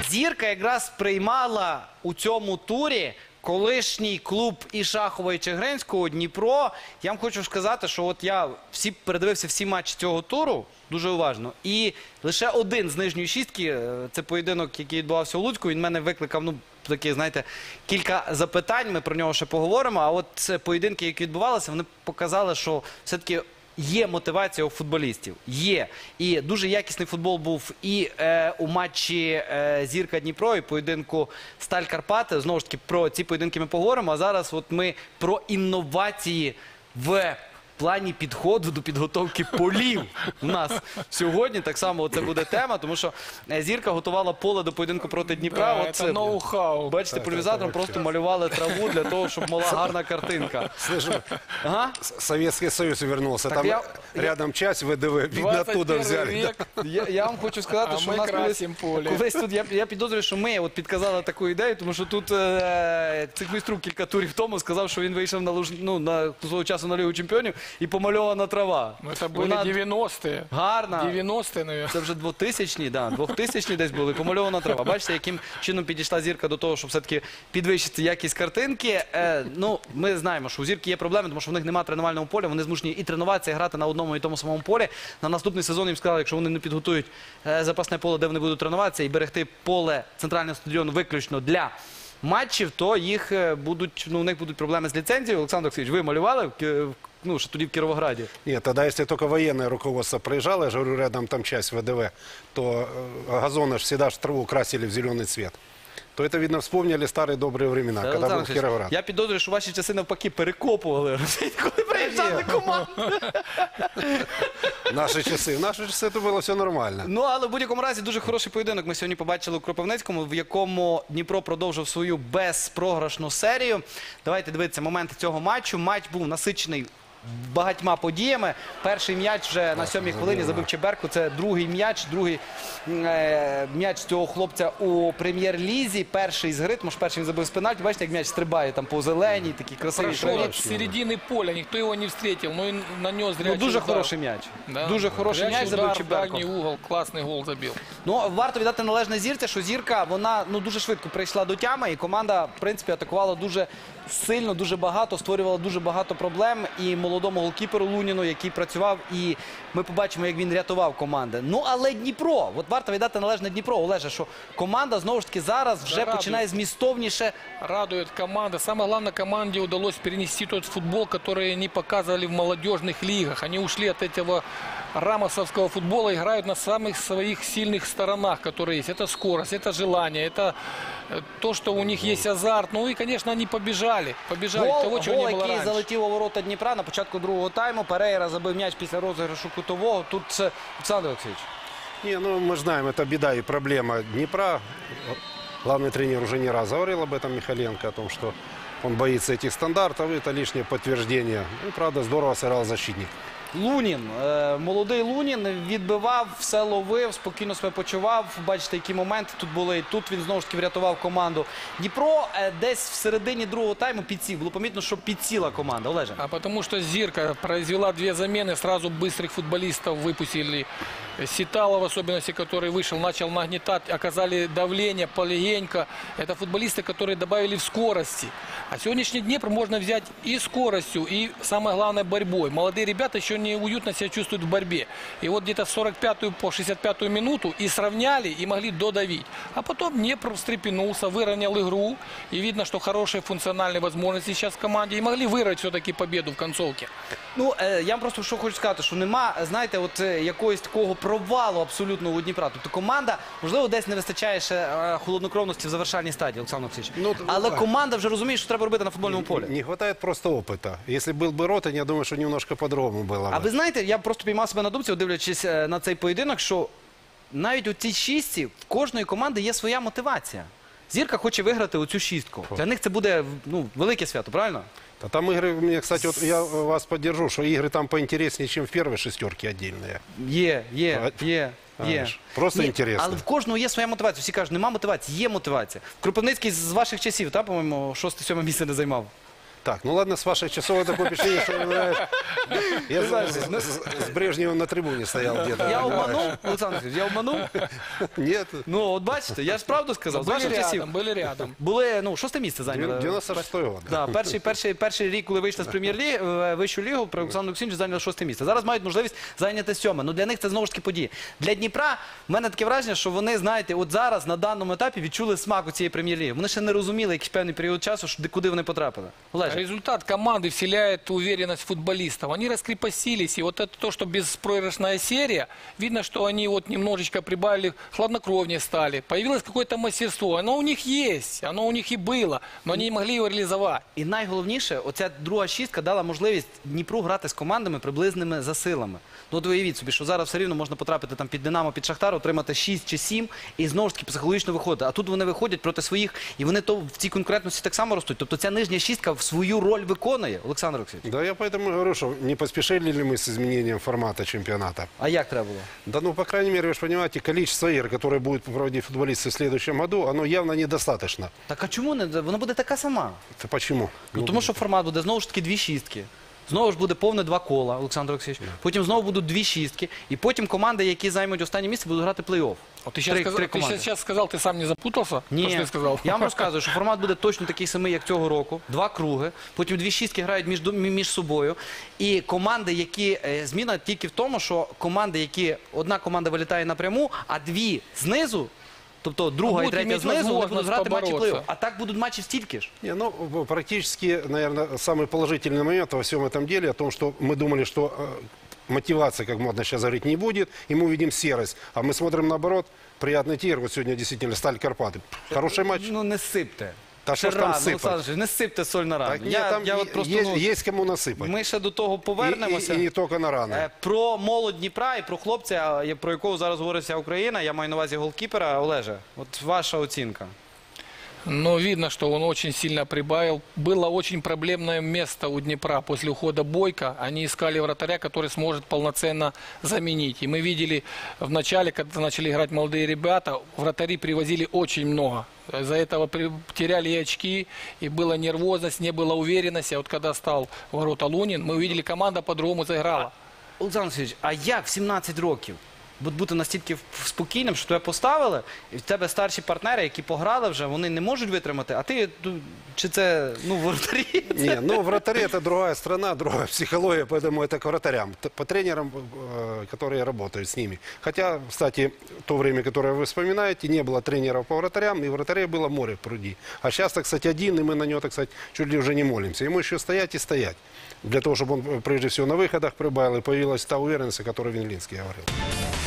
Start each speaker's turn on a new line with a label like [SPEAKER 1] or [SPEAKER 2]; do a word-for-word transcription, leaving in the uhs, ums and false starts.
[SPEAKER 1] Зірка якраз приймала у цьому турі колишній клуб і Шахова, і Чигиринського, Дніпро. Я вам хочу сказати, що от я всі передивився всі матчі цього туру дуже уважно. І лише один з нижньої шістки, це поєдинок, який відбувався у Луцьку, він мене викликав, ну, такі, знаєте, кілька запитань, ми про нього ще поговоримо. А от це поєдинки, які відбувалися, вони показали, що все-таки є мотивація у футболістів. Є. І дуже якісний футбол був і е, у матчі е, Зірка-Дніпро, і поєдинку Сталь-Карпати. Знову ж таки, про ці поєдинки ми поговоримо. А зараз от ми про інновації в плані підходу до підготовки полів у нас сьогодні. Так само це буде тема, тому що Зірка готувала поле до поєдинку проти Дніпра.
[SPEAKER 2] Да, це ноу-хау.
[SPEAKER 1] Бачите, пульверизатором просто малювали траву для того, щоб була гарна картинка.
[SPEAKER 3] Слышим,
[SPEAKER 1] Ага.
[SPEAKER 3] Советский Союз вернулся.
[SPEAKER 1] Так
[SPEAKER 3] Там
[SPEAKER 1] я-
[SPEAKER 3] рядом часть ВДВ, видно, оттуда взяли.
[SPEAKER 2] век,
[SPEAKER 1] Я, я вам хочу сказати,
[SPEAKER 2] а
[SPEAKER 1] що
[SPEAKER 2] ми
[SPEAKER 1] у нас колись,
[SPEAKER 2] красимо поле.
[SPEAKER 1] колись тут, я, я підозрюю, що ми от підказали таку ідею, тому що тут е, циквіструк кілька турів тому сказав, що він вийшов на, луж, ну, на свого часу на Лігу чемпіонів і помальована трава.
[SPEAKER 2] Ну, это были
[SPEAKER 1] Вона
[SPEAKER 2] девяностые.
[SPEAKER 1] гарна.
[SPEAKER 2] девяностые, наверное.
[SPEAKER 1] Це вже двохтисячні, да, двохтисячні десь були, помальована трава. Бачите, яким чином підійшла Зірка до того, щоб все-таки підвищити якість картинки. Е, ну, ми знаємо, що у Зірки є проблеми, тому що в них немає тренувального поля, вони змушені і тренуватися, і грати на одному і тому самому полі. На наступний сезон їм сказали, якщо вони не підготують е, запасне поле, де вони будуть тренуватися, і берегти поле центрального стадіону виключно для матчів, то їх е, будуть, ну, у них будуть проблеми з ліцензією. Олександр Олексійович, ви малювали в Ки- в- ну, що тоді в Кіровограді?
[SPEAKER 3] Нет, тогда если только военное руководство проезжало, я же говорю, рядом там часть ВДВ, то э, газоны ж всегда ж траву красили в зеленый цвет. То это, видно, вспомнили старые добрые времена, когда
[SPEAKER 1] Олександр
[SPEAKER 3] был
[SPEAKER 1] Олексійович,
[SPEAKER 3] Кировоград.
[SPEAKER 1] я підозрюю, що ваші часи навпаки перекопували, коли приїжджали команди.
[SPEAKER 3] Наши часы. В наши часы это было все нормально.
[SPEAKER 1] Ну, але в будь-якому разі дуже хороший поєдинок ми сьогодні побачили у Кропивницькому, в якому Дніпро продовжив свою безпрограшну серію. Давайте дивитися моменти цього матчу. Матч був насичений багатьма подіями. Перший м'яч вже на сьомій хвилині забив Чеберку. Це другий м'яч, другий е, м'яч цього хлопця у прем'єр-лізі. Перший з гри, тому що перший він забив з пенальті. Бачите, як м'яч стрибає там по зеленій, такий красивий
[SPEAKER 2] Прошел
[SPEAKER 1] траві.
[SPEAKER 2] от середины поля, никто его не встретил, но и нанес
[SPEAKER 1] Ну,
[SPEAKER 2] зрячий
[SPEAKER 1] дуже
[SPEAKER 2] удар.
[SPEAKER 1] хороший м'яч.
[SPEAKER 2] Да.
[SPEAKER 1] Дуже хороший
[SPEAKER 2] Зрячий
[SPEAKER 1] м'яч забив
[SPEAKER 2] удар в
[SPEAKER 1] Чеберко.
[SPEAKER 2] дальний угол, классный гол забил.
[SPEAKER 1] Ну, варто віддати належне Зірці, що Зірка, вона, ну, дуже швидко прийшла до тями, і команда, в принципі, атакувала дуже сильно, дуже багато, створювала дуже багато проблем і молодому голкіперу Луніну, який працював, і ми побачимо, як він рятував команди. Ну, але Дніпро, от варто віддати належне Дніпро, Олеже, що команда, знову ж таки, зараз вже
[SPEAKER 2] радує.
[SPEAKER 1] починає змістовніше.
[SPEAKER 2] Радует команда. Самое главное, команде удалось перенести тот футбол, который они показывали в молодежных лигах. Они ушли от этого рамосовского футбола, играют на самых своих сильных сторонах, которые есть. Это скорость, это желание, это э, то, что у них есть азарт. Ну и, конечно, они побежали. Побежали
[SPEAKER 1] Гол,
[SPEAKER 2] того, чего
[SPEAKER 1] гол
[SPEAKER 2] не было
[SPEAKER 1] який
[SPEAKER 2] раньше.
[SPEAKER 1] залетів у ворота Дніпра на початку другого тайму. Перейра забив м'яч після розіграшу кутового. Тут це Олександр Олексійович.
[SPEAKER 3] Не, ну мы же знаем, это беда и проблема Днепра. Главный тренер уже не раз говорил об этом, Михаленко, о том, что он боится этих стандартов, и это лишнее подтверждение. Ну, правда, здорово сыграл защитник.
[SPEAKER 1] Лунін, е, молодий Лунін, відбивав, все ловив, спокійно себе почував. Бачите, які моменти тут були. І тут він знову ж таки врятував команду. Дніпро е, десь в середині другого тайму підсів. Було помітно, що підсіла команда. Олеже.
[SPEAKER 2] А потому что Зирка произвела две замены, сразу быстрых футболистов выпустили. Ситалов, в особенности, который вышел, начал нагнетать, оказали давление полегенько. Это футболисты, которые добавили в скорости. А сегодняшний Днепр можно взять и скоростью, и, самое главное, борьбой. Молодые ребята еще не уютно себя чувствуют в борьбе. И вот где-то в сорок пятую по шестьдесят пятую минуту и сравняли, и могли додавить. А потом Днепр встрепенулся, выровнял игру. И видно, что хорошие функциональные возможности сейчас в команде. И могли вырвать все-таки победу в концовке.
[SPEAKER 1] Ну, е, я вам просто що хочу сказати, що нема, знаєте, от е, якогось такого провалу абсолютно у Дніпра. Тобто команда, можливо, десь не вистачає ще е, холоднокровності в завершальній стадії, Олександр Олексійович.
[SPEAKER 3] Ну,
[SPEAKER 1] Але
[SPEAKER 3] так.
[SPEAKER 1] команда вже розуміє, що треба робити на футбольному полі.
[SPEAKER 3] Не хватает просто опыта. Если был бы Ротань, я думаю, что немножко по-другому было
[SPEAKER 1] А
[SPEAKER 3] бы.
[SPEAKER 1] ви знаєте, я просто піймав себе на думці, дивлячись е, на цей поєдинок, що навіть у цій шістці в кожної команди є своя мотивація. Зірка хоче виграти оцю шістку. Для них це буде, ну, велике свято, правильно?
[SPEAKER 3] А там игры, мне, кстати, вот я вас поддержу, что игры там поинтереснее, чем в первой шестерке отдельные.
[SPEAKER 1] Є, є,
[SPEAKER 3] А,
[SPEAKER 1] є, є.
[SPEAKER 3] ж, просто
[SPEAKER 1] Ні,
[SPEAKER 3] інтересно.
[SPEAKER 1] Але в кожного є своя мотивація. Всі кажуть, нема мотивації, є мотивація. Кропивницький з ваших часів, та, по-моєму, шосте-сьоме місце не займав.
[SPEAKER 3] Так, ну ладно, с вашей часовой такое впечатление, что знаешь, я с, с- с Брежневым на трибуне стоял где-то.
[SPEAKER 1] Я обманув, Олександр Олексійович, я обманув.
[SPEAKER 3] Нет,
[SPEAKER 1] Ну, от бачите, я ж правду сказав. З
[SPEAKER 2] Были
[SPEAKER 1] ваших часів
[SPEAKER 2] рядом, были рядом.
[SPEAKER 1] були, ну, шосте місце зайняли.
[SPEAKER 3] девяносто шестой год.
[SPEAKER 1] Да, перший, перший, перший рік, коли вийшли з прем'єр-ліги, в вищу лігу, при Олександру Олексійовичу зайняли шосте місце. Зараз мають можливість зайняти сьоме. Ну, для них це знову ж таки події. Для Дніпра в мене таке враження, що вони, знаєте, от зараз на даному етапі відчули смак у цієї прем'єр-ліги. Вони ще не розуміли якийсь певний період часу, що, де- куди вони потрапили. Олеже.
[SPEAKER 2] Результат команды вселяет уверенность футболистов. Они раскрепостились. И вот это то, что беспроигрышная серия, видно, что они вот немножечко прибавили, хладнокровнее стали. Появилось какое-то мастерство. Оно у них есть, оно у них и было, но они не могли его реализовать.
[SPEAKER 1] І найголовніше, оця друга шістка дала можливість Дніпру грати з командами приблизними за силами. Ну, от уявіть собі, що зараз все рівно можна потрапити там під Динамо, під Шахтар, отримати шість чи сім і знову ж таки психологічно виходити. А тут вони виходять проти своїх, і вони то в цій конкурентності так само ростуть. Тобто ця нижня шістка в свою роль виконує, Олександр Олексійович.
[SPEAKER 3] Да, я поэтому и говорю, что не поспешили ли мы с изменением формата чемпионата.
[SPEAKER 1] А як треба було?
[SPEAKER 3] Да, ну, по крайней мере, вы же понимаете, количество игр, которые будут проводить футболисты в следующем году, оно явно недостаточно.
[SPEAKER 1] Так а чому не? Вона буде така сама.
[SPEAKER 3] Это почему?
[SPEAKER 1] Ну, тому що формат буде знову ж таки дві шістки. Знову ж буде повне два кола, Олександр Олексійович. Потім знову будуть дві шістки. І потім команди, які займуть останнє місце, будуть грати плей-офф.
[SPEAKER 2] Вот ты сейчас,
[SPEAKER 1] Три-
[SPEAKER 2] сказал,
[SPEAKER 1] три
[SPEAKER 2] ты
[SPEAKER 1] команди.
[SPEAKER 2] сейчас сказал, ты сам не запутался? То,
[SPEAKER 1] Ні,
[SPEAKER 2] что ты сказал?
[SPEAKER 1] я вам розказую, що формат буде точно такий самий, як цього року. Два круги, потім дві шістки грають між, між собою. І команди, які... е, Зміна тільки в тому, що команди, які... Одна команда вилітає напряму, а дві знизу, тобто друга
[SPEAKER 2] А
[SPEAKER 1] і
[SPEAKER 2] будуть
[SPEAKER 1] третя
[SPEAKER 2] мати
[SPEAKER 1] знизу, вони будуть
[SPEAKER 2] можливість
[SPEAKER 1] грати матчі
[SPEAKER 2] поборотися.
[SPEAKER 1] плей-офф. А так будуть матчі стільки ж.
[SPEAKER 3] Не, ну, в- практически, наверное, самый положительный момент во всем этом деле о том, что мы думали, что э, мотивации, как модно сейчас говорить, не будет, и мы увидим серость. А мы смотрим наоборот, приятный тир. Вот сегодня действительно Сталь Карпаты. Хороший матч.
[SPEAKER 1] Ну не сипте.
[SPEAKER 3] Та
[SPEAKER 1] Ще
[SPEAKER 3] що ж там
[SPEAKER 1] рано,
[SPEAKER 3] сипати?
[SPEAKER 1] Олександр Олексійович, не сипте соль на рану.
[SPEAKER 3] Так, нет,
[SPEAKER 1] я,
[SPEAKER 3] там
[SPEAKER 1] я
[SPEAKER 3] е-
[SPEAKER 1] от просто,
[SPEAKER 3] есть,
[SPEAKER 1] ну,
[SPEAKER 3] есть кому насыпать.
[SPEAKER 1] ми ще до того
[SPEAKER 3] И,
[SPEAKER 1] повернемося.
[SPEAKER 3] и- и не только на раны.
[SPEAKER 1] Е, Про молодь Дніпра і про хлопця, я- про якого зараз говорить вся Україна, я маю на увазі голкіпера. Олеже, от ваша оцінка.
[SPEAKER 2] Но видно, что он очень сильно прибавил. Было очень проблемное место у Днепра после ухода Бойко. Они искали вратаря, который сможет полноценно заменить. И мы видели в начале, когда начали играть молодые ребята, вратари привозили очень много. Из-за этого при- теряли и очки, и была нервозность, не было уверенности. А вот когда стал в ворота Лунин, мы увидели, команда по-другому заиграла.
[SPEAKER 1] Олександр Олексійович, а як в сімнадцять років бу- бути настільки в- спокійним, що тебе поставили, і в тебе старші партнери, які пограли вже, вони не можуть витримати, а ти, ну, чи це, ну, воротарі?
[SPEAKER 3] Не, ну вратари это другая страна, другая психология, поэтому это к вратарям, т- по тренерам, э, которые работают с ними. Хотя, кстати, то время, которое вы вспоминаете, не было тренеров по вратарям, и вратарей было море в пруди. А сейчас, так сказать, один, и мы на него, так сказать, чуть ли уже не молимся. Ему еще стоять и стоять. Для того, чтобы он, э, прежде всего, на выходах прибавил, и появилась та уверенность, о которой Винлинский говорил.